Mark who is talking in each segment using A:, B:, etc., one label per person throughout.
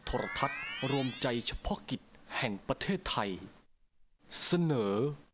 A: โทรทัศน์รวมใจเฉพาะกิจแห่งประเทศไทยเสนอ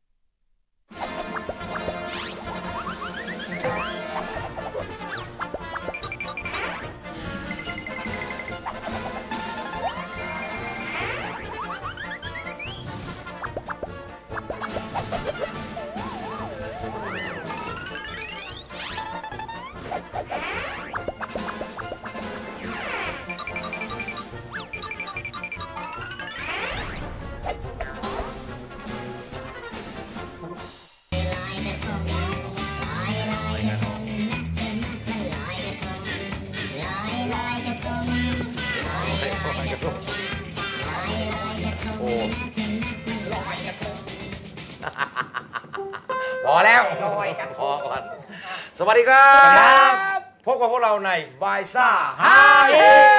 B: พอแล้วพอก่อนสวัสดีครับพบกับพวกเราในบายซ่าฮาเฮ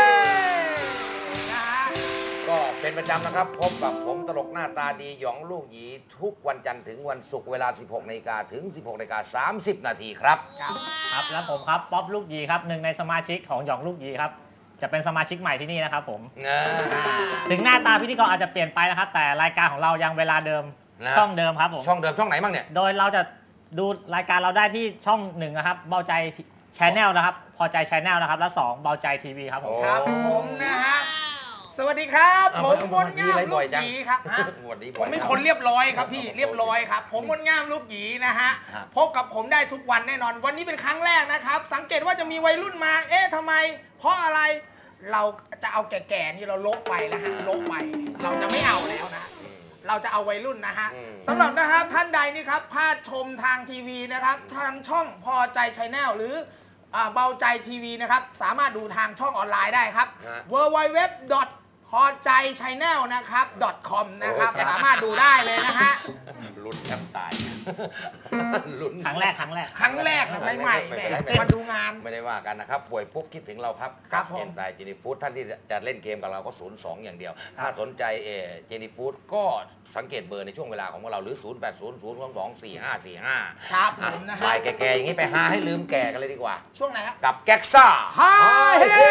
B: ก็เป็นประจำนะครับพบกับผมตลกหน้าตาดีหยองลูกหยีทุกวันจันทร์ถึงวันศุกร์เวลา 16 นาฬิกาถึง 16 นาฬิกา 30 นาทีครับ
C: ครับแล้วผมครับป๊อปลูกหยีครับหนึ่งในสมาชิกของหยองลูกหยีครับจะเป็นสมาชิกใหม่ที่นี่นะครับผมถึงหน้าตาพิธีกรอาจจะเปลี่ยนไปนะครับแต่รายการของเรายังเวลาเดิมช่องเดิมครับผม
B: ช่องเดิมช่องไหนบ้างเนี่ย
C: โดยเราจะดูรายการเราได้ที่ช่อง1นะครับเบาใจแชนแนลนะครับพอใจแชนแนลนะครับและ2เบาใจทีวีครับผม
D: ครับผมนะฮะสวัสดีครับผมมนง่ามลูกหยีครับผมเป็นคนเรียบร้อยครับพี่เรียบร้อยครับผมมนง่ามลูกหยีนะฮะพบกับผมได้ทุกวันแน่นอนวันนี้เป็นครั้งแรกนะครับสังเกตว่าจะมีวัยรุ่นมาเอ๊ะทำไมเพราะอะไรเราจะเอาแก่ๆนี่เราลบไปแล้วฮะลบไปเราจะไม่เอาแล้วนะเราจะเอาวัยรุ่นนะฮะสำหรับนะครับท่านใดนี่ครับพลาดชมทางทีวีนะครับทางช่องพอใจชแนลหรือเบาใจทีวีนะครับสามารถดูทางช่องออนไลน์ได้ครับ www. พอใจชแนลนะครับ .com นะครับสามารถดูได้เลยนะฮะ
B: ลุ้นแทบตาย
C: ลุ้นครั้งแรก
D: ใหม่มาดูงาน
B: ไม่ได้ว่ากันนะครับป่วยปุ๊บคิดถึงเราครับ
D: ครับผม
B: เอ็นไตเจนี่ฟู้ดท่านที่จะเล่นเกมกับเราก็02อย่างเดียวถ้าสนใจเจนี่ฟู้ดก็สังเกตเบอร์ในช่วงเวลาของเราหรือ0800224545
D: ครับผมนะฮะ
B: ลายแก่ๆอย่างนี้ไปหาให้ลืมแก่กันเลยดีกว่า
D: ช่วงไหนครับ
B: กับแก๊กซ่า
D: ฮาเฮ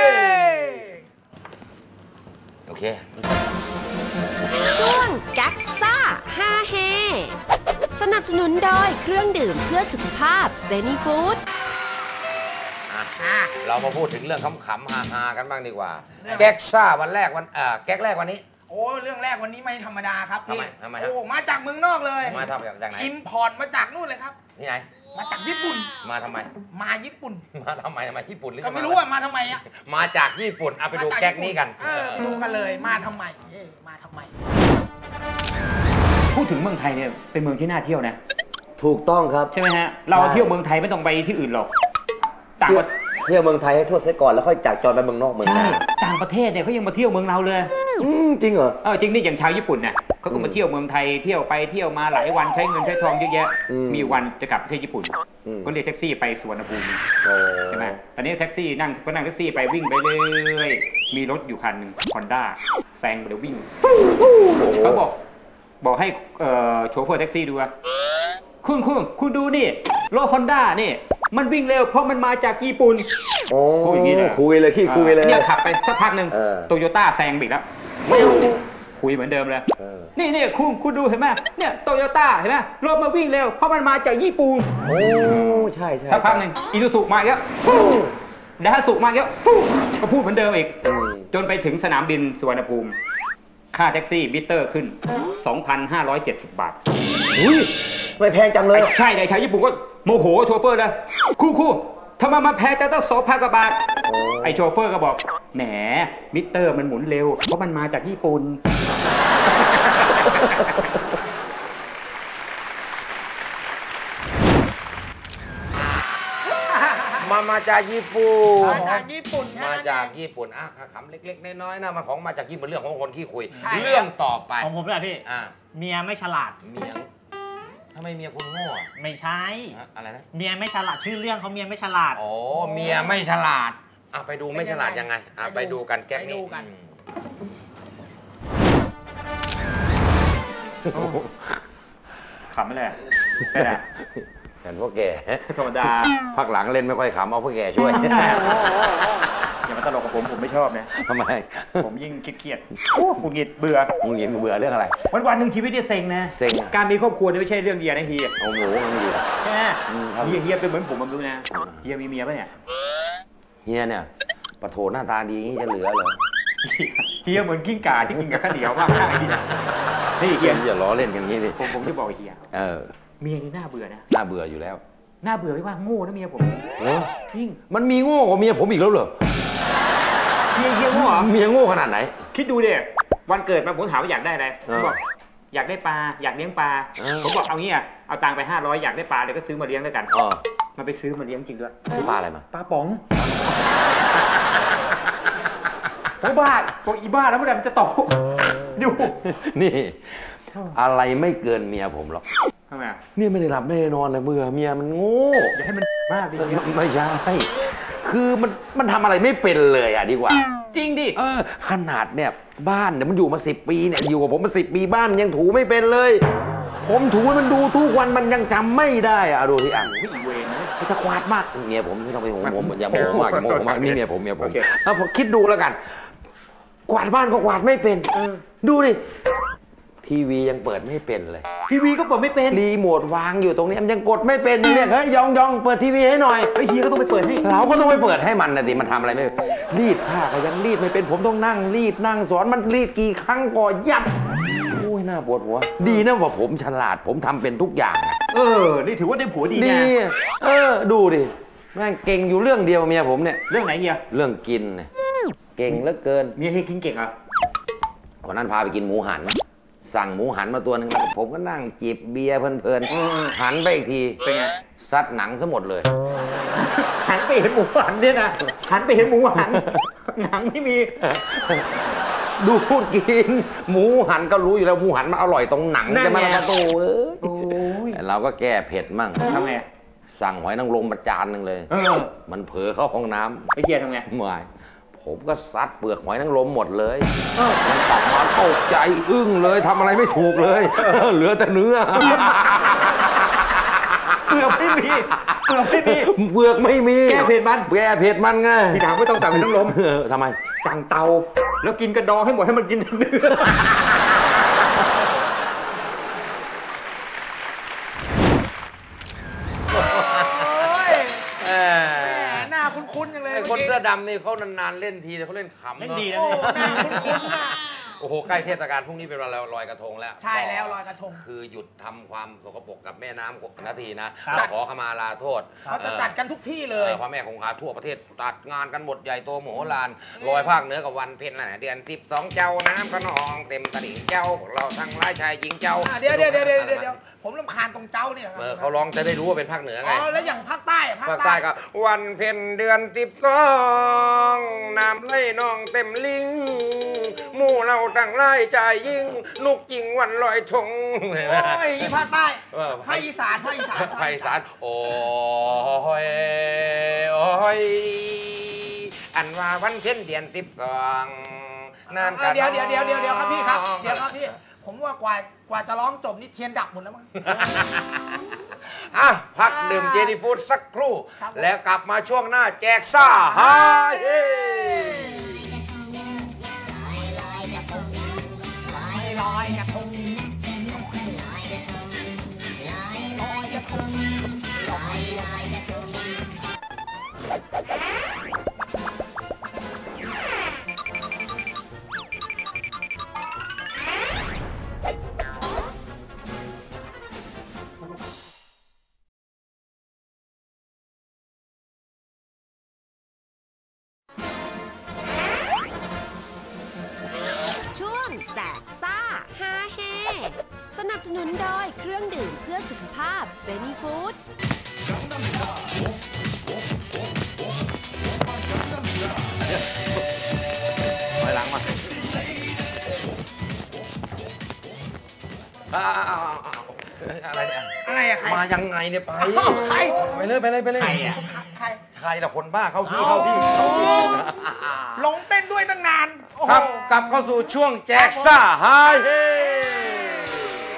B: โอเค
E: ช่วงแก๊กซ่าฮาเฮสนับสนุนโดยเครื่องดื่มเพื่อสุขภาพเจนี่ฟู้ด
B: เรามาพูดถึงเรื่องขำๆฮาๆกันบ้างดีกว่าแก๊กซ่าวันแรกแก๊กแรกวันนี้
D: โอ้เรื่องแรกวันนี้ไม่ธรรมดาครับพี่
B: ทำไม
D: โอ้มาจากเมืองนอกเลย
B: มาจากไหน
D: อิมพอร์ตมาจากนู่นเลยครับ
B: นี่ไง
D: มาจากญี่ปุ่น
B: มาทำไม
D: มาญี่ปุ่น
B: มาทำไมญี่ปุ่นหรือ
D: ก็ไม่รู้ว่ามาทำไมอ่ะ
B: มาจากญี่ปุ่นเอาไปดูแก๊กนี้กัน
D: ดูกันเลยมาทำไมมาทำไม
F: พูดถึงเมืองไทยเนี่ยเป็นเมืองที่น่าเที่ยวนะ
G: ถูกต้องครับ
F: ใช่ไหมฮะเราเที่ยวเมืองไทยไม่ต้องไปที่อื่นหรอก
G: ต่างประเทศเที่ยวเมืองไทยให้ทั่วเสียก่อนแล้วค่อยจากจรไปเมืองนอกเมืองนา
F: ต่างประเทศเนี่ยเขายังมาเที่ยวเมืองเราเลย
G: จริงเหรอ
F: จริงนี่อย่างชาวญี่ปุ่นเนี่ยเขาก็มาเที่ยวเมืองไทยเที่ยวไปเที่ยวมาหลายวันใช้เงินใช้ทองเยอะแยะมีวันจะกลับประเทศญี่ปุ่นก็เรียกแท็กซี่ไปสุวรรณภูมิใช่ไหมตอนนี้แท็กซี่นั่งแท็กซี่ไปวิ่งไปเรื่อยมีรถอยู่คันหนึ่งฮอนด้าแซงไปเดี๋ยววิ่งเขาบอกให้โชเฟอร์แท็กซี่ดูว่าคุณดูนี่รถฮอนด้านี่มันวิ่งเร็วเพราะมันมาจากญี่ปุ่น
G: พูดอย่างนี้เลยคุยเลย
F: เนี่ยขับไปสักพักหนึ่งโตโยต้าแซงบิ๊กแล้วคุยเหมือนเดิมเลยนี่คุณดูเห็นไหมเนี่ยโตโยต้าเห็นไหมรถมาวิ่งเร็วเพราะมันมาจากญี่ปุ่น
G: ใช่
F: สักพักหนึ่งอีซูซุมาอีกแล้วดาฮาสุมาอีกแล้วก็พูดเหมือนเดิมอีกจนไปถึงสนามบินสุวรรณภูมิค่าแท็กซี่มิเตอร์ขึ้น 2,570 บาท
G: ไม่แพงจังเลย
F: ใช่เลยชาวญี่ปุ่นก็โมโหโชเฟอร์เลยคู่ทำไมมาแพงจังต้อง2,000 กว่าบาทไอโชเฟอร์ก็บอกแหมมิเตอร์มันหมุนเร็วเพราะมันมาจากญี่ปุ่น
B: มาจากญี่ปุ่น
D: มาจากญี่ปุ่น
B: ขำเล็กๆน้อยๆนะมันของมาจากญี่ปุ่นเรื่องของคนขี้คุยเรื่องต่อไป
C: ของผมเลยพี่เมียไม่ฉลาด
B: เมียทำไมเมียคุณโง่
C: ไม่ใช่
B: อะไรนะ
C: เมียไม่ฉลาดชื่อเรื่องเขาเมียไม่ฉลาด
B: โอ้เมียไม่ฉลาดไปดูไม่ฉลาดยังไงไปดูกันแก๊กนี้
F: ขำไม่เลย
B: เห็นพวกแก
F: ธรรมดา
B: พักหลังเล่นไม่ค่อยขำเอาพวกแกช่วย
F: อย่ามาตลกกับผมไม่ชอบนะ
G: ทำไม
F: ผมยิ่งเครียดๆโอ้หงุดหงิดเบื่อ
G: มึงเห็นมึงเบื่อเรื่องอะไร
F: วันๆหนึ่งชีวิตเนี่ยเซ็งนะ
G: เซ็งอะ
F: การมีครอบครัวเนี่ยไม่ใช่เรื่องเดียวนะเฮีย
G: โอ้โหมันดี
F: ใช่ไหม
G: ครับ
F: เฮียเป็นเหมือนผมมันรู้นะเฮียมีเมียปะเนี่ย
G: เฮียเนี่ยปะโถหน้าตาดีงี้จะเหลือเหรอ
F: เฮียเหมือนกิ้งก่าที่กินกับข้าวเหนียวมากไอ้นี่นะนี่เฮีย
G: อย่าล้อเล่นกันงี้ดิ
F: ผมจะบอกเฮีย เมียนี่น่าเบื่อนะ
G: น่าเบื่ออยู่แล้ว
F: น่าเบื่อไม่ว่าโง่นะเมียผม
G: จริงมันมีโง่กว่าเมียผมอีกแล้วเหรอ
F: เฮียโง่เหรอ
G: เมียโง่ขนาดไหน
F: คิดดูดิวันเกิดมาผมถามว่าอยากได้อะไรผมบอกอยากได้ปลาอยากเลี้ยงปลาผมบอกเอางี้อ่ะเอาตังค์ไป500อยากได้ปลาเดี๋ยวก็ซื้อมาเลี้ยงด้วยกันมันไปซื้อมาเลี้ยงจริงด้วย
G: ซื้อปลาอะไรมา
F: ปลาป๋องโอ้บ้าบอกอีบ้าแล้วเมื่อไหร่มันจะโตดู
G: นี่ อะไรไม่เกินเมียผมหรอก
F: ทำไมอ่ะ
G: เนี่ยไม่ได้หลับไม่ได้นอนเลยเบื่อเมียมันโง่
F: อย่าให้มันมากดิ
G: ไม่ใช่คือมันทำอะไรไม่เป็นเลยอ่ะดีกว่า
F: จริงดิ
G: ขนาดเนี่ยบ้านเนี่ยมันอยู่มา10 ปีเนี่ยอยู่กับผมมา10 ปีบ้านยังถูไม่เป็นเลย ผมถูให้มันดูทุกวันมันยังจำไม่ได้อ่ะดูที่อ่าง
F: อีเวนนะ
G: จะกวาดมากเมียผมไม่ต้องไปโหผมอย่าโมโหมากอย่าโมโหมากนี่เมียผม
F: โอเค
G: แล้วผมคิดดูแล้วกัน กวาดบ้านก็กวาดไม่เป็นดูดิทีวียังเปิดไม่เป็นเลย
F: ทีวีก็เปิดไม่เป็น
G: รีโมทวางอยู่ตรงนี้มันยังกดไม่เป็นเนี่ยเฮ้ยยองเปิดทีวีให้หน่อย
F: ไอ้เฮียก็ต้องไปเปิดให้
G: เราก็ต้องไปเปิดให้มันนะดิมันทำอะไรไม่เป็นรีดผ้าก็ยังรีดไม่เป็นผมต้องนั่งรีดนั่งสอนมันรีดกี่ครั้งก็ยับโอ้ยน่าปวดหัวดีนะว่าผมฉลาดผมทำเป็นทุกอย่างนะ
F: นี่ถือว่าได้ผัวดี
G: ดี
F: นะ
G: ดูดิแม่งเก่งอยู่เรื่องเดียวเมียผมเนี่ย
F: เรื่องไหนเฮีย
G: เรื่องกินเนี่ยเก่งเหลือเกิน
F: เมียเฮียกินเก่งเหรอ
G: วันนั้นพาไปกินหมูหันสั่งหมูหันมาตัวหนึ่งแล้วผมก็นั่งจิบเบียร์เพลินๆหันไปอีกที
F: เป็นไง
G: ซัดหนังซะหมดเลย
F: หันไปเห็นหมูหันเนี่ยนะหันไปเห็นหมูหันหนังไม่มี
G: ดูพูดกินหมูหันก็รู้อยู่แล้วหมูหันมันอร่อยตรงหนัง
F: นั่นไง
G: จะมาละโตเอ้
F: โอ้ย
G: ยเราก็แก้เผ็ดมั่ง
F: ทำไง
G: สั่งหอยนางรมมาจานหนึ่งเลย มันเผลอเข้าห้องน้ำ
F: ไอ้เฮียทำไง
G: ไม่ผมก็ซัดเปลือกหอยนางรมหมดเลยมันตักมาตกใจอึ้งเลยทำอะไรไม่ถูกเลย เหลือแต่เนื้อ
F: เปลือกไม่มีเปลือกไม่มี
G: เปลือกไม่มี
F: แก้เผ็ดมัน
G: แก้เผ็ดมันไง
F: ทีหลังไม่ต้องสั่งเป็นน้ำล้ม
G: ทำไม
F: สั่งเตา แล้วกินกระดองให้หมดให้มันกินแต่เนื้อ
D: แหมหน้าคุ้นๆจังเลย
B: ไอ้คนเสื้อดำนี่เขานานๆเล่นทีเขาเล่นขำ
F: เล่น
B: เนาะ
F: ดีนะ
D: โอ้หน้าคุ้นๆน่ะ
B: โอ้โหใกล้เทศกาลพรุ่งนี้เป็นวันลอยกระทงแล้ว
D: ใช่แล้วลอยกระทง
B: คือหยุดทำความสกปรกกับแม่น้ำกบนาทีนะ
F: ครับ
B: จะขอขมาลาโทษ
D: เขาจะจัดกันทุกที่เลย
B: พ่อแม่คงคาทั่วประเทศตัดงานกันหมดใหญ่โตโมโหลานลอยภาคเหนือกับวันเพ็ญเดือน12เจ้าน้ำกระนองเต็มตลิ่งเจ้าเราทั้งหลายชายหญิงเจ้า
D: เดี๋ยวผมรำคาญตรงเจ้าเนี่ยครับ
B: เขาร้องจะได้รู้ว่าเป็นภาคเหนือไง
D: อ๋อแล้วอย่างภาคใต้อะ
B: ภาคใต้ก็วันเพ็ญเดือน12น้ำไหลนองเต็มลิงหมู่เราตั้งไล่ใจายยิ่งนุกจริงวันลอยธง
D: โอ้ยภาคใต้
B: เออ
D: ภาคอีสานภาคอีสาน
B: ภาคอีสานโอ้ยโอ้ยอันว่าวันเพ็ญเดือน12น้ำกัน
D: เดี๋ยวครับพี่ครับเดี๋ยวครับพี่ผมว่ากว่าจะร้องจบนี่เทียนดับหมดแล้วมั้ง
B: อ่ะพักดื่มเจนี่ฟู้ดสักครู่
D: ครับผม
B: แล้วกลับมาช่วงหน้าแจกซ่าฮาเฮ
D: ลอยกระทง
E: ช่วงแจกซ่าฮาเฮสนับสนุนโดยเครื่องดื่มเพื่อสุขภาพเซนีฟู้ด
B: ถอยหลังมาอะไรเนี่ย
D: อะไรอะใคร
B: มายังไงเนี่ยไป
D: ใคร
B: ไปเลย
D: ใครอะใคร
B: ใครละคนบ้าเข้าที่
D: ลงเต้นด้วยตั้งนานโอ้โห
B: ครับกลับเข้าสู่ช่วงแจกซ่าฮาเฮ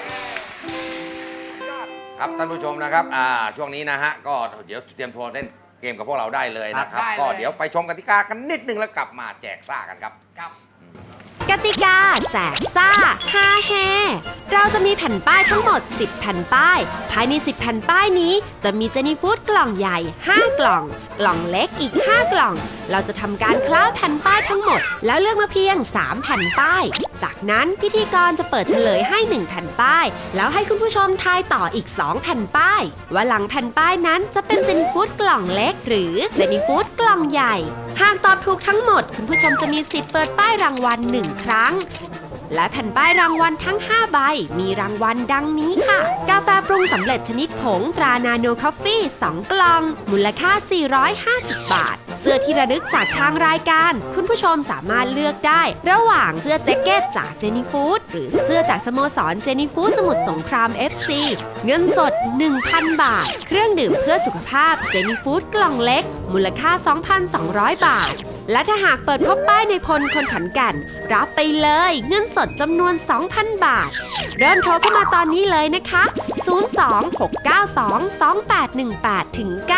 B: ครับท่านผู้ชมนะครับช่วงนี้นะฮะก็เดี๋ยวเตรียมตัวเต้น
G: เกมกับพวกเราได้เลยนะครับ
D: ได้เลย
G: ก็เดี๋ยวไปชมกติกากันนิดนึงแล้วกลับมาแจกซ่ากันครับ
D: ครับ
E: กติกาแจกซ่าฮาแฮเราจะมีแผ่นป้ายทั้งหมด 10 แผ่นป้าย ภายใน 10 แผ่นป้ายนี้ จะมีเจนี่ฟู้ดกล่องใหญ่ 5 กล่อง กล่องเล็กอีก 5 กล่อง เราจะทำการคล้าแผ่นป้ายทั้งหมด แล้วเลือกมาเพียง 3 แผ่นป้าย จากนั้นพิธีกรจะเปิดเฉลยให้ 1 แผ่นป้าย แล้วให้คุณผู้ชมทายต่ออีก 2 แผ่นป้าย ว่าหลังแผ่นป้ายนั้นจะเป็นเจนี่ฟู้ดกล่องเล็ก หรือเจนี่ฟู้ดกล่องใหญ่ หากตอบถูกทั้งหมด คุณผู้ชมจะมีสิทธิ์เปิดป้ายรางวัล 1 ครั้ง และแผ่นป้ายรางวัลทั้ง 5 ใบ มีรางวัลดังนี้ค่ะ กาแฟปรุงสำเร็จชนิดผงตรานาโนคอฟฟี่ 2 กล่อง มูลค่า 450 บาท เสื้อที่ระลึกจากทางรายการ คุณผู้ชมสามารถเลือกได้ ระหว่างเสื้อแจ็คเก็ตจากเจนี่ฟู้ดหรือเสื้อจากสโมสรเจนี่ฟู้ดสมุทรสงคราม FC เงินสด 1,000 บาท เครื่องดื่มเพื่อสุขภาพเจนี่ฟู้ดกล่องเล็ก มูลค่า 2,200 บาท และถ้าหากเปิดพบป้ายในพลคนขอนแก่นรับไปเลยเงินสดจำนวน 2,000 บาท เริ่มโทรเข้ามาตอนนี้เลยนะคะ 026922818ถึง 9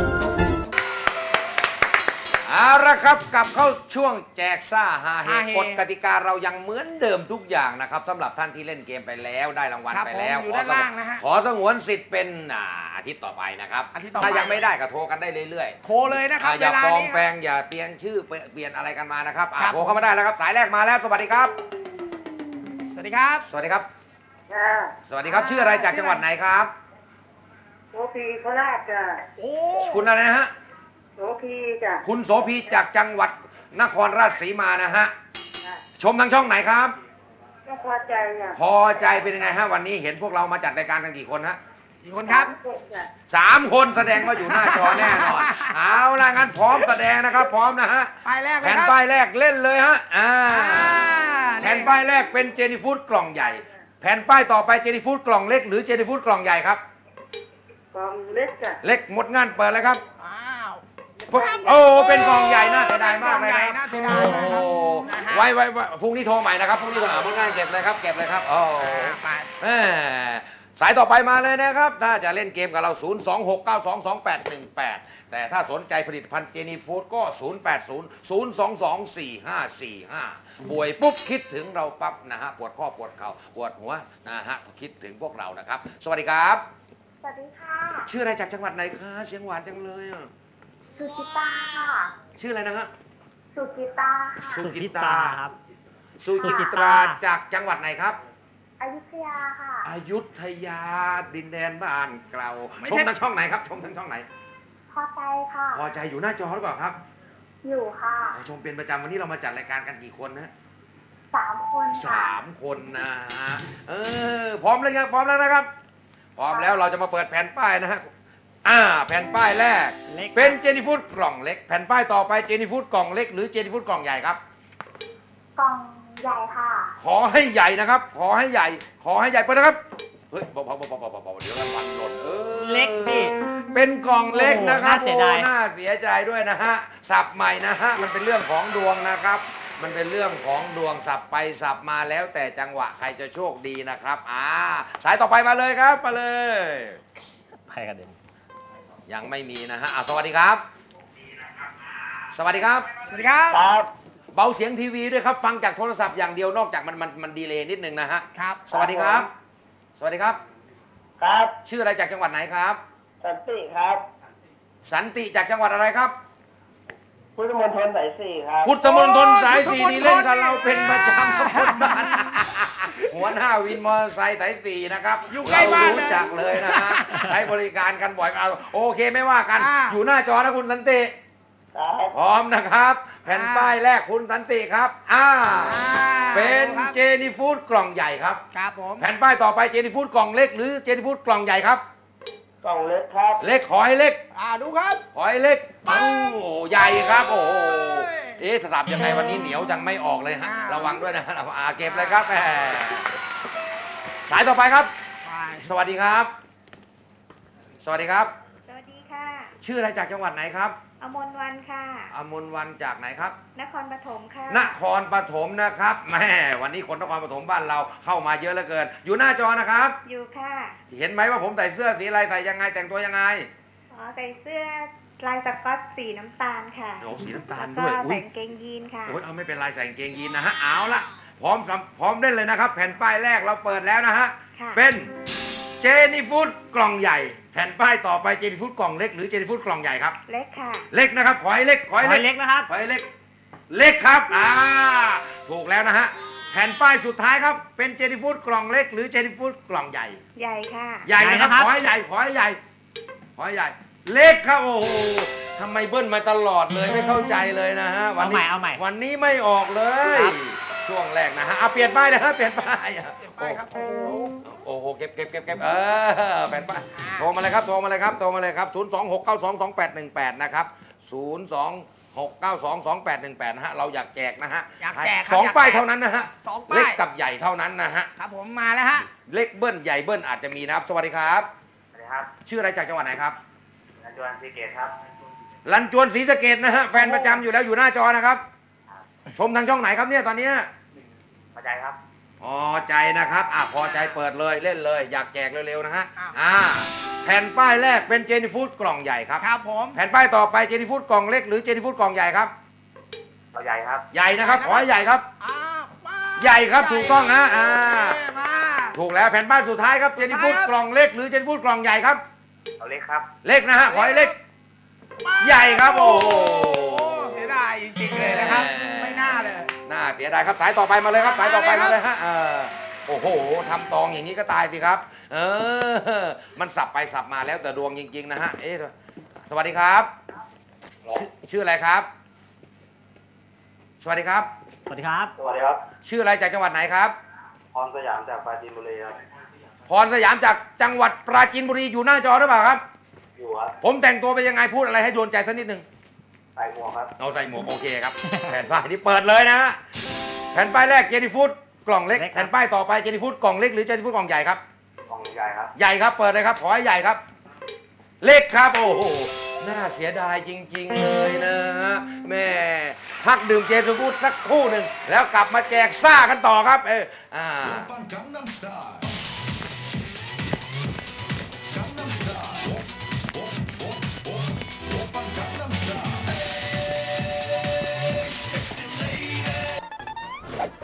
G: เอาละครับกลับเข้าช่วงแจกซ่าฮาเฮ
D: ฮาเฮ
G: กฎกติกาเรายังเหมือนเดิมทุกอย่างนะครับสำหรับท่านที่เล่นเกมไปแล้วได้รางวัล
D: ครับ
G: ไปแล้ว
D: ผมอยู่ด้านล่างนะฮะ
G: ขอสงวนสิทธิ์เป็นอาทิตย์ต่อไปนะครับ
D: อาทิตย์ต่อไป
G: ถ้ายังไม่ได้ก็โทรกันได้เรื่อยๆ
D: โทรเลยนะครับ
G: อย่า
D: เวลา
G: ปลอม
D: นี้
G: แปลงอย่าเปลี่ยนชื่อเปลี่ยนอะไรกันมานะครับ
D: ครับ
G: โทรเข้ามาได้แล้วครับสายแรกมาแล้วสวัสดีครับ
D: สวัสดีครับ
G: สวัสดีครับ สวัสดีครับชื่ออะไรจากจังหวัดไหนครับ
H: โสพีโคราชจ้ะ
D: โอ้
G: คุณอะไรนะฮะ
H: โสพีจ้ะ
G: คุณโสพีจากจังหวัดนครราชสีมานะฮะ
H: อ่ะ
G: ชมทางช่องไหนครับ
H: ก็พอใจอ่ะ
G: พอใจเป็นยังไงฮะวันนี้เห็นพวกเรามาจัดรายการกันกี่คนฮะ
D: กี่คนครับ
H: จ้ะ
G: 3 คนแสดงว่าอยู่หน้าจอแน่นอน เอาล่ะงั้นพร้อมแสดงนะครับ พร้อมนะฮะ
D: ป้ายแรกเลย
G: แผ่น
D: ครับ
G: ป้ายแรกเล่นเลยฮะแผ่นป้าย
D: นี่
G: แรกเป็นเจนี่ฟู้ดกล่องใหญ่ แผ่นป้ายต่อไปเจนี่ฟู้ดกล่องเล็กหรือเจนี่ฟู้ดกล่องใหญ่ครับ
H: กองเล็กจ้ะ
G: เล็กหมดงานเปิดเลยครับ
D: อ้าว
G: โอ้เป็นกล่องใหญ่น่าเสียดายมากเลย
D: เป็นกล่องใหญ่
G: นะ
D: น่าเสียดายนะครับ
G: โอ้
D: นะฮะ
G: ไว้พรุ่งนี้โทรใหม่นะครับพรุ่งนี้โทรหาพนักงานเก็บเลยครับเก็บเลยครับโอ้
D: ไป
G: แม่สายต่อไปมาเลยนะครับ ถ้าจะเล่นเกมกับเรา 026922818 แต่ถ้าสนใจผลิตภัณฑ์เจนี่ฟู้ดก็ 080-022-4545 ป่วยปุ๊บคิดถึงเราปั๊บนะฮะปวดข้อปวดเข่าปวดหัวนะฮะคิดถึงพวกเรานะครับ สวัสดีครับ
H: สวัสดีค่ะ
G: ชื่ออะไรจากจังหวัดไหนคะเสียงหวานจังเลยอ่ะ
H: สุจิตาค่ะ
G: ชื่ออะไรนะฮะ
H: สุจิตาค่ะ
G: สุ
C: สุ
G: จิ
C: จิ
G: ต
C: ต
G: รา
C: ครับ
G: สุจิ
C: สุจิ
G: ต
C: ต
G: รา
C: รา
G: จากจังหวัดไหนครับ
H: อยุธยาค่ะ
G: อยุธยาดินแดนบ้านเรา
D: ไม่
G: ช
D: ใช่
G: มทางช่องไหนครับ ชมทางช่องไหน
H: พอใจค่ะ
G: พอใจอยู่หน้าจอหรือเปล่าครับ
H: อยู่ค่ะ
G: ชมเป็นประจำวันนี้เรามาจัดรายการกันกี่คนนะ
H: 3 คนค่ะ
G: 3 คนนะฮะพร้อมแล้วยังพร้อมแล้วนะครับ พร้อมแล้วเราจะมาเปิดแผ่นป้ายนะฮะแผ่นป้ายแรก
C: เล็ก
G: เป็นเจนี่ฟู้ดกล่องเล็ก แผ่นป้ายต่อไปเจนี่ฟู้ดกล่องเล็กหรือเจนี่ฟู้ดกล่องใหญ่ครับ
H: กล่องใหญ่ค่ะ
G: ขอให้ใหญ่นะครับ ขอให้ใหญ่ ขอให้ใหญ่ไปนะครับ เฮ้ยเบาๆๆๆๆเดี๋ยวรางวัลหล่น
C: เล็กพี่
G: เป็นกล่องเล็กนะครับ
C: โอ้โหน่าเสียดาย
G: น่าเสียใจด้วยนะฮะ สับใหม่นะฮะ มันเป็นเรื่องของดวงนะครับ มันเป็นเรื่องของดวงสับไปสับมาแล้วแต่จังหวะใครจะโชคดีนะครับ สายต่อไปมาเลยครับ มาเลย
C: ใครกระเด็น
G: ยังไม่มีนะฮะสวัสดีครับ สวัสดีครับ
D: สวัสดีครับ
G: เบาเสียงทีวีด้วยครับ ฟังจากโทรศัพท์อย่างเดียวนอกจากมันดีเลย์นิดนึงนะฮะ
D: ครับ
G: สวัสดีครับ สวัสดีครับ
H: ครับ
G: ชื่ออะไรจากจังหวัดไหนครับ
H: สันติครับ
G: สันติจากจังหวัดอะไรครับ
H: พุทธมณฑลสาย4ครับ
G: พุทธมณฑลสายสี่นี่เล่นกับเราเป็นประจำครับคนบ้านหัวหน้าวินมอเตอร์ไซค์สาย4นะครับ
D: อยู่ใกล้บ้าน
G: เรรู้จักเลยนะฮะใช้บริการกันบ่อยเอาโอเคไม่ว่ากัน อยู่หน้าจอนะคุณสันติ
H: ครับ
G: พร้อมนะครับ แผ่นป้ายแรกคุณสันติครับเป็นเจนี่ฟู้ดกล่องใหญ่ครับ
D: ครับผม
G: แผ่นป้ายต่อไปเจนี่ฟู้ดกล่องเล็กหรือเจนี่ฟู้ดกล่องใหญ่ครับ
H: กล่องเล็กครับ
G: เล็กขอให้เล็ก
D: ดูครับ
G: ขอให้เล็กโอ้ใหญ่ครับโอ้โห
D: เอ้ย
G: สลับยังไงวันนี้เหนียวจังไม่ออกเลยฮะระวังด้วยนะเก็บเลยครับแหมสายต่อไปครับ สวัสดีครับ สวัสดีครับ
H: สวัสดีค่ะ
G: ชื่ออะไรจากจังหวัดไหนครับ
H: อมรวันค่ะ
G: อมรวันจากไหนครับ
H: นครปฐมค่ะ
G: นครปฐมนะครับแม่วันนี้คนนครปฐมบ้านเราเข้ามาเยอะเหลือเกิน อยู่หน้าจอนะครับ
H: อยู่ค่ะ
G: เห็นไหมว่าผมใส่เสื้อสีอะไรใส่ยังไงแต่งตัวยังไง
H: อ๋อ ใส่เสื้อแขลายสก๊อตสีน้ำตาลค่ะ
B: โอ้สีน้ำตาล
H: แล้ว
B: ด้วย
H: ก็
B: อุ๊
H: ใส่
B: ย
H: กางเกงยีนค่ะ
B: โอ้ยเอาไม่เป็นไรใส่กางเกงยีนนะฮะเอาละพร้อมเล่นเลยนะครับ แผ่นป้ายแรกเราเปิดแล้วนะฮะ
H: ค่ะ
B: เป็นเจนี่ฟูดกล่องใหญ่ แผ่นป้ายต่อไปเจนี่ฟูดกล่องเล็กหรือเจนี่ฟูดกล่องใหญ่ครับ
H: เล็กค่ะ
B: เล็กนะครับขอให้เล็ก
C: ขอให้เล็กนะครับ
B: ขอให้เล็กเล็กครับถูกแล้วนะฮะแผ่นป้ายสุดท้ายครับเป็นเจนี่ฟูดกล่องเล็กหรือเจนี่ฟูดกล่องใหญ่
H: ใหญ่ค่ะ
B: ใหญ่นะครับ
C: ใหญ่นะครับ
B: ขอให้ใหญ่ขอให้ใหญ่ขอให้ใหญ่ เล็กครับโอ้โหทำไมเบิ้ลมาตลอดเลยไม่เข้าใจเลยนะฮะวันนี้
C: เอาใหม่
B: วันนี้ไม่ออกเลย
C: ครับ
B: ช่วงแรกนะฮะเอาเปลี่ยนป้ายนะฮะเปลี่ยนป้าย
D: ป้ายครับโอ้โห
B: โอ้โหเก็บเปลี่ยนป้ายโทรมาเลยครับโทรมาเลยครับ026922818นะครับ026922818นะฮะเราอยากแจกนะฮะ
D: อยากแจกครับ
B: สอง
D: อยากแจก
B: ป้ายเท่านั้นนะฮะ
D: สองป้าย
B: เล็กกับใหญ่เท่านั้นนะฮะ
D: ครับผมมาแล้วฮะ
B: เล็กเบิ้ลใหญ่เบิ้ลอาจจะมีนะครับ สวัสดีครับ
H: สวัสดีครับ
B: ชื่ออะไรจากจังหวัดไหนครับ
H: นันจวนสีเกตครับ
B: ลันจวนศรีสะเกษนะฮะแฟนประจำอยู่แล้วอยู่หน้าจอนะครับ ชมทางช่องไหนครับเนี่ยตอนเนี้ย
H: พอใจครับ
B: พอใจนะครับพอใจเปิดเลยเล่นเลย อยากแจกเร็วๆนะฮะ
D: อ้าว
B: แผ่นป้ายแรกเป็นเจนี่ฟูดกล่องใหญ่ครับ
D: ครับผม
B: แผ่นป้ายต่อไปเจนี่ฟูดกล่องเล็กหรือเจนี่ฟูดกล่องใหญ่ครับ
H: เราใหญ่ครับ
B: ใหญ่นะครับขอให้ใหญ่ครับ
D: มา
B: ใหญ่ครับถูกต้องฮะ
D: โอเคมา
B: ถูกแล้วแผ่นป้ายสุดท้ายครับเจนี่ฟูดกล่องเล็กหรือเจนี่ฟูดกล่องใหญ่ครับ
H: เราเล็กครับ
B: เล็กนะฮะขอให้เล็ก ใหญ่ครับโอ้โห
D: เสียดายจริงๆเลยนะครับ ไม่น่าเลย
B: น่าเสียดายครับสายต่อไปมาเลยครับสายต่อไปมาเลยฮะโอ้โหทำตองอย่างนี้ก็ตายสิครับ มันสับไปสับมาแล้วแต่ดวงจริงๆนะฮะสวัสดีครับชื่ออะไรครับ สวัสดีครับ
C: สวัสดีครับ
H: สวัสดีครับ
B: ชื่ออะไรจากจังหวัดไหนครับ
H: พรสยามจากปราจีนบุรีครับ
B: พรสยามจากจังหวัดปราจีนบุรีอยู่หน้าจอหรือเปล่าครับ
H: อยู่ครับ
B: ผมแต่งตัวเป็นยังไงพูดอะไรให้โดนใจสักนิดหนึ่ง
H: ใส่หมวกครับ
B: เอาใส่หมวกโอเคครับ แผ่นป้ายที่เปิดเลยนะฮะแผ่นป้ายแรกเจนี่ฟูดกล่องเล็ก
C: เล็กครับ
B: แผ่นป้ายต่อไปเจนี่ฟูดกล่องเล็กหรือเจนี่ฟูดกล่องใหญ่ครับ
H: กล่องใหญ่ครับ
B: ใหญ่ครับเปิดเลยครับขอให้ใหญ่ครับ เล็กครับโอ้โหน่าเสียดายจริง ๆ เลยนะฮะแม่พักดื่มเจนี่ฟูดสักครู่หนึ่งแล้วกลับมาแจกซ่ากันต่อครับ
I: Gangnam Style. Gangnam Style. Oppa Gangnam Style. Sexy lady.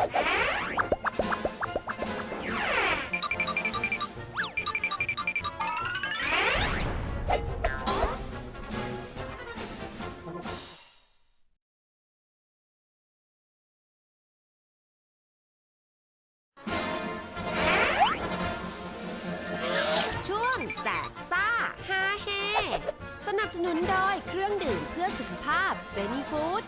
E: ช่วงแจกซ่าฮาเฮสนับสนุนโดยเครื่องดื่มเพื่อสุขภาพเจนี่ฟู้ด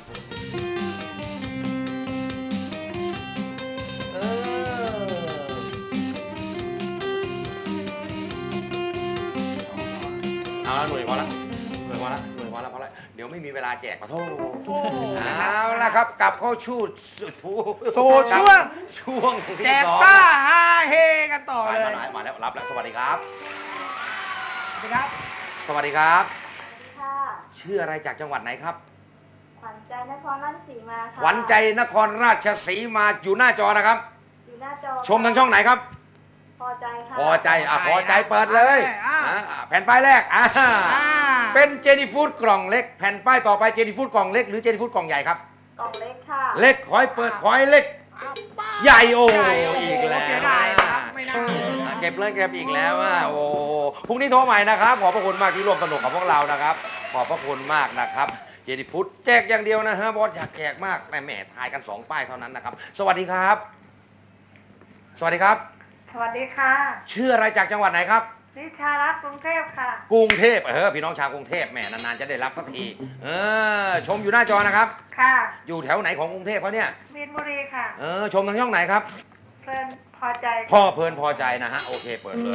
B: เอาละหน่วยพอละหน่วยพอละเพราะอะไรเดี๋ยวไม่มีเวลาแจกขอโทษเอาละครับกลับเข้าสู่ช่วงที่
D: แจก
B: สอง
D: ซ่าฮาเฮกันต่อเลย
B: มาแล้วรับแล้วสวัสดีครับ
D: สวัสดีครับ
B: สวัสดีครับ
H: ค่ะ
B: ชื่ออะไรจากจังหวัดไหนครับ
H: ขวัญใจนครราชสีมาค่ะ
B: ขวัญใจนครราชสีมาอยู่หน้าจอนะครับ
H: อยู่หน้าจอ
B: ชมทางช่องไหนครับ
H: พอใจค่ะ
B: พอใจพอใจเปิดเลย แผ่นป้ายแรกเป็นเจนี่ฟูดกล่องเล็กแผ่นป้ายต่อไปเจนี่ฟูดกล่องเล็กหรือเจนี่ฟูดกล่องใหญ่ครับ
H: กล่องเล็กค่ะ
B: เล็กขอให้เปิดขอให้เล็ก ใหญ่โอ้
D: ใหญ่
B: อีกแล้ว
D: เสียดายนะครับไม่น่า
B: เก็บเลยเก็บอีกแล้วโอ้พรุ่งนี้โทรใหม่นะครับขอบพระคุณมากที่ร่วมสนุกกับพวกเรานะครับขอบพระคุณมากนะครับเจนี่ฟูดแจกอย่างเดียวนะฮะบอสอยากแจกมากแต่แหมทายกัน2ป้ายเท่านั้นนะครับสวัสดีครับ สวัสดีครับ
H: สวัสดีค่ะ
B: ชื่ออะไรจากจังหวัดไหนครับ
H: นิชารัตน์กรุงเทพค่ะ
B: กรุงเทพพี่น้องชาวกรุงเทพแหมนานๆจะได้รับสักทีชมอยู่หน้าจอนะครับ
H: ค่ะ
B: อยู่แถวไหนของกรุงเทพเขาเนี่ย
H: มีนบุรีค่ะ
B: ชมทางช่องไหนครับ
H: เพลินพอใจ
B: พ่อเพลินพอใจนะฮะโอเคเปิดเลย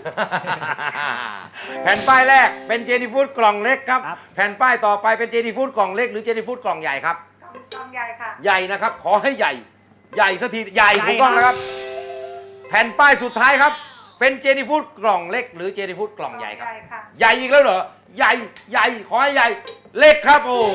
B: แผ่นป้ายแรกเป็นเจนี่ฟูดกล่องเล็กครับ
C: ครับ
B: แผ่นป้ายต่อไปเป็นเจนี่ฟูดกล่องเล็กหรือเจนี่ฟูดกล่องใหญ่ครับ
H: กล่องใหญ่ค่ะ
B: ใหญ่นะครับขอให้ใหญ่ใหญ่สักทีใหญ่
C: ใหญ่
B: ถูกต้อง
C: ครับ
B: นะครับ แผ่นป้ายสุดท้ายครับ เป็นเจนี่ฟูดกล่องเล็กหรือเจนี่ฟูดกล่องใหญ่ครับ
H: ใหญ่ค่ะ
B: ใหญ่อีกแล้วเหรอใหญ่ใหญ่ขอให้ใหญ่เล็กครับโอ้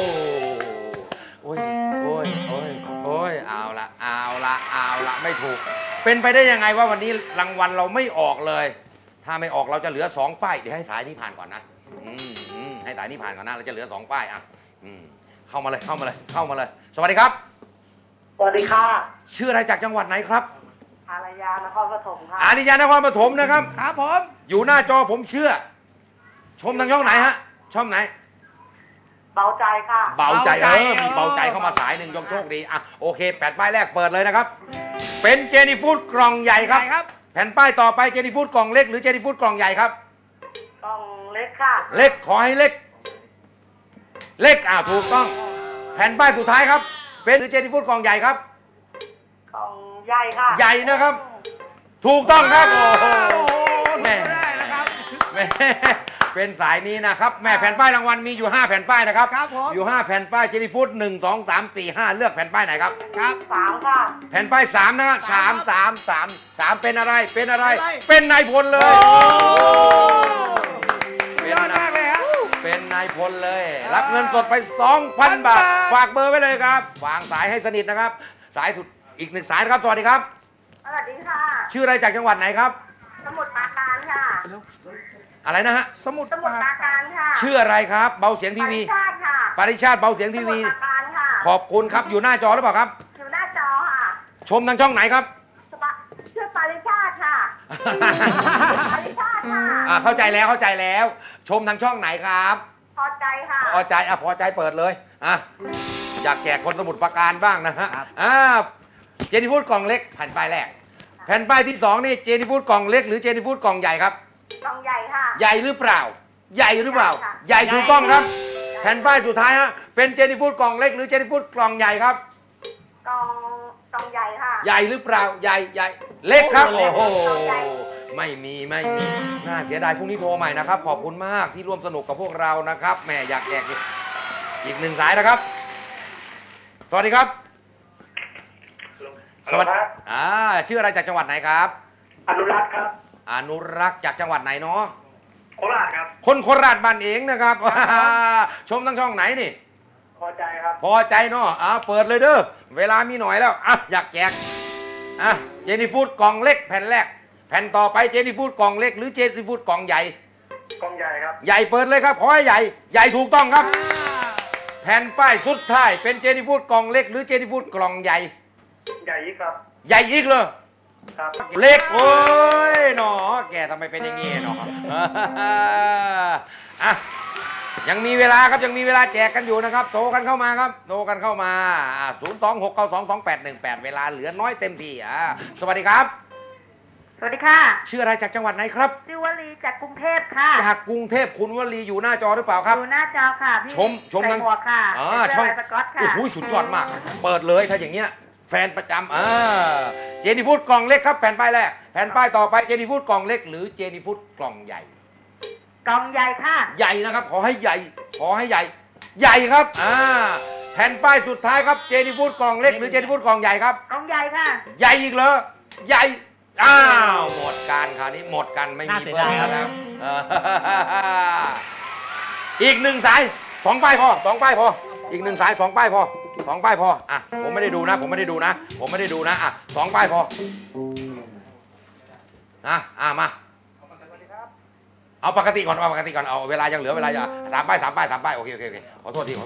B: ยเอาละไม่ถูก เป็นไปได้ยังไงว่าวันนี้รางวัลเราไม่ออกเลย ถ้าไม่ออกเราจะเหลือ2ป้ายเดี๋ยวให้สายนี้ผ่านก่อนนะให้สายนี้ผ่านก่อนนะเราจะเหลือ2 ป้ายอ่ะเข้ามาเลยเข้ามาเลยเข้ามาเลย สวัสดีครับ
H: สวัสดีค่ะ
B: ชื่ออะไรจากจังหวัดไหนครับ
H: อารยานครปฐมค่ะ
B: อารยานครปฐมนะครับ
D: ครับผม
B: อยู่หน้าจอผมเชื่อ ชมทางช่องไหนฮะช่องไหน
H: เบาใจค่ะ
B: เบาใจมีเบาใจเข้ามาสายหนึ่งยงโชคดีอ่ะโอเค8 ป้ายแรกเปิดเลยนะครับเป็นเจนี่ฟู้ดกล่องใหญ่ครับแผ่นป้ายต่อไปเจนี่ฟู้ดกล่องเล็กหรือเจนี่ฟู้ดกล่องใหญ่ครับ
H: กล่องเล็กค่ะ
B: เล็กขอให้เล็กเล็กถูกต้องแผ่นป้ายสุดท้ายครับเป็นหรือเจนี่ฟู้ดกล่องใหญ่ครับ
H: กล่องใหญ่ค่ะ
B: ใหญ่นะครับถูกต้องครับโอ้โหแม่แม่เป็นสายนี้นะครับแม่แผ่นป้ายรางวัลมีอยู่5 แผ่นป้ายนะครับอยู่5 แผ่นป้ายเจนี่ฟู้ด1 2 3 4 5เลือกแผ่นป้ายไหนครับ
H: ครับ3ค่ะ
B: แผ่นป้าย3นะครับ3เป็นอะไรเป็นอะไรเป็นนายพลเลย
D: ยอดมากเลยครับ
B: เป็นนายพลเลยรับเงินสดไป 2,000 บาทฝากเบอร์ไว้เลยครับวางสายให้สนิทนะครับสายสุดอีก1 สายนะครับสวัสดีครับ
H: สวัสดีค่ะ
B: ชื่ออะไรจากจังหวัดไหนครับ
H: สมุทรปราการค่ะ
B: อะไรนะฮะ
D: สมุทร
H: ปราการค่ะ
B: ชื่ออะไรครับเบาเสียงทีวี
H: ปริชาติค่ะ
B: ปริชาติเบาเสียงทีวีขอบคุณครับอยู่หน้าจอหรือเปล่าครับ
H: อยู่หน้าจอค่ะ
B: ชมทางช่องไหนครับ
H: ชื่อปริชาติค่ะปริชาติ
B: ค่ะเข้าใจแล้วชมทางช่องไหนครับ
H: พอใจค่ะ
B: พอใจพอใจเปิดเลยอยากแจกคนสมุทรปราการบ้างนะฮะเจนี่ฟู้ดกล่องเล็กแผ่นป้ายแรกแผ่นป้ายที่2นี่เจนี่ฟู้ดกล่องเล็กหรือเจนี่ฟู้ดกล่องใหญ่ครับ
H: กล่องใหญ่ค่ะ
B: ใหญ่หรือเปล่าใหญ่หรือเปล่าใหญ่ถูกต้องครับแผ่นป้ายสุดท้ายฮะเป็นเจนี่ฟู้ดกล่องเล็กหรือเจนี่ฟู้ดกล่องใหญ่ครับ
H: กล่องใหญ่ค่ะ
B: ใหญ่หรือเปล่าใหญ่เล็กครับโอ้โหไม่มีน่าเสียดายพรุ่งนี้โทรใหม่นะครับขอบคุณมากที่ร่วมสนุกกับพวกเรานะครับแม่อยากแจกอีก1 สายนะครับสวัสดีครับ
J: สวัสดีครับ
B: ชื่ออะไรจากจังหวัดไหนครับ
J: อนุรักษ์ครับ
B: อนุรักษ์จากจังหวัดไหนเนาะ
J: โคราชครับ
B: คนโคราชบ้านเองนะครับชมทั้งช่องไหนนี่
J: พอใจครับ
B: พอใจเนาะเปิดเลยเด้อเวลามีหน่อยแล้วอยากแจกเจนี่ฟู้ดกล่องเล็กแผ่นแรกแผ่นต่อไปเจนี่ฟู้ดกล่องเล็กหรือเจนี่ฟู้ดกล่องใหญ่
J: กล่องใหญ่ครับ
B: ใหญ่เปิดเลยครับขอให้ใหญ่ถูกต้องครับแผ่นป้ายสุดท้ายเป็นเจนี่ฟู้ดกล่องเล็กหรือเจนี่ฟู้ดกล่องใหญ่
J: ใหญ่อีกครับ
B: ใหญ่อีกเลย
J: ครับ
B: เล็กโอ้ยหนอแกทำไมเป็นอย่างงี้หนอยังมีเวลาครับยังมีเวลาแจกกันอยู่นะครับโทรกันเข้ามาครับโทรกันเข้ามา026922818เวลาเหลือน้อยเต็มที่สวัสดีครับ
H: สวัสดีค่ะ
B: ชื่ออะไรจากจังหวัดไหนครับ
H: ชื่อวลีจากกรุงเทพค่ะ
B: จากกรุงเทพคุณวลีอยู่หน้าจอหรือเปล่าครับ
H: อยู่หน้าจอค่ะพี่
B: ชม
H: ทางหัวค่ะ
B: ช่อง
H: สก๊อตค่ะ
B: โอ้โหสุดยอดมากเปิดเลยถ้าอย่างเงี้ยแฟนประจำเจนี่ฟู้ดกล่องเล็กครับแผ่นป้ายแรกแผ่นป้ายต่อไปเจนี่ฟู้ดกล่องเล็กหรือเจนี่ฟู้ดกล่องใหญ่
H: กล่องใหญ่ค่ะ
B: ใหญ่นะครับขอให้ใหญ่ใหญ่ครับแผ่นป้ายสุดท้ายครับเจนี่ฟู้ดกล่องเล็กหรือเจนี่ฟู้ดกล่องใหญ่ครับ
H: กล่องใหญ่ค่ะ
B: ใหญ่อีกเหรอใหญ่หมดการคราวนี้หมดกันไม่มีเพิ่มแล้วอีก1 สาย2 ป้ายพอ2 ป้ายพออีก1 สาย2 ป้ายพอ2 ป้ายพอผมไม่ได้ดูนะ2 ป้ายพอมาเอาปกติก่อนเอาเวลายังเหลือเวลา3 ป้ายโอเคขอโทษที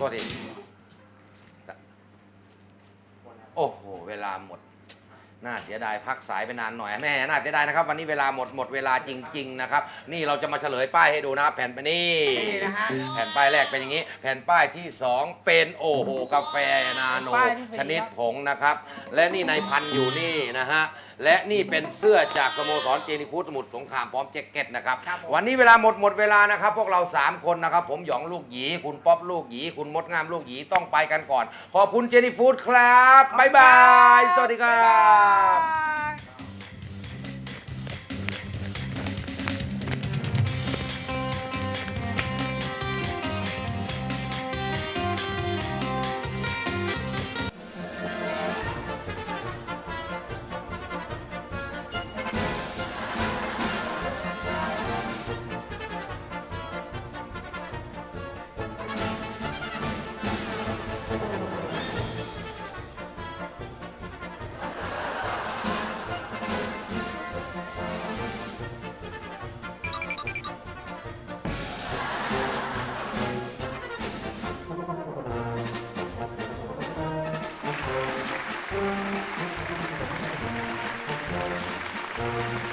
B: โอ้โหเวลาหมดน่าเสียดายพักสายไปนานหน่อยแม่น่าเสียดายนะครับวันนี้เวลาหมดเวลาจริงๆนะครับนี่เราจะมาเฉลยป้ายให้ดูนะแผ่นไปนี่แผ่นป้ายแรกเป็นอย่างนี้แผ่นป้ายที่2เป็นโอ้โหกาแฟนาโนชนิดผงนะครับและนี่ในพันอยู่นี่นะฮะและนี่เป็นเสื้อจากสโมสรเจนี่ฟู้ดสมุทรสงครามพร้อมแจ็คเก็ตนะครับวันนี้เวลาหมดเวลานะครับพวกเรา3 คนนะครับผมหยองลูกหยีคุณป๊อปลูกหยีคุณมดงามลูกหยีต้องไปกันก่อนขอบคุณเจนี่ฟู้ดครับบ๊ายบายสวัสดีครับ Thank you.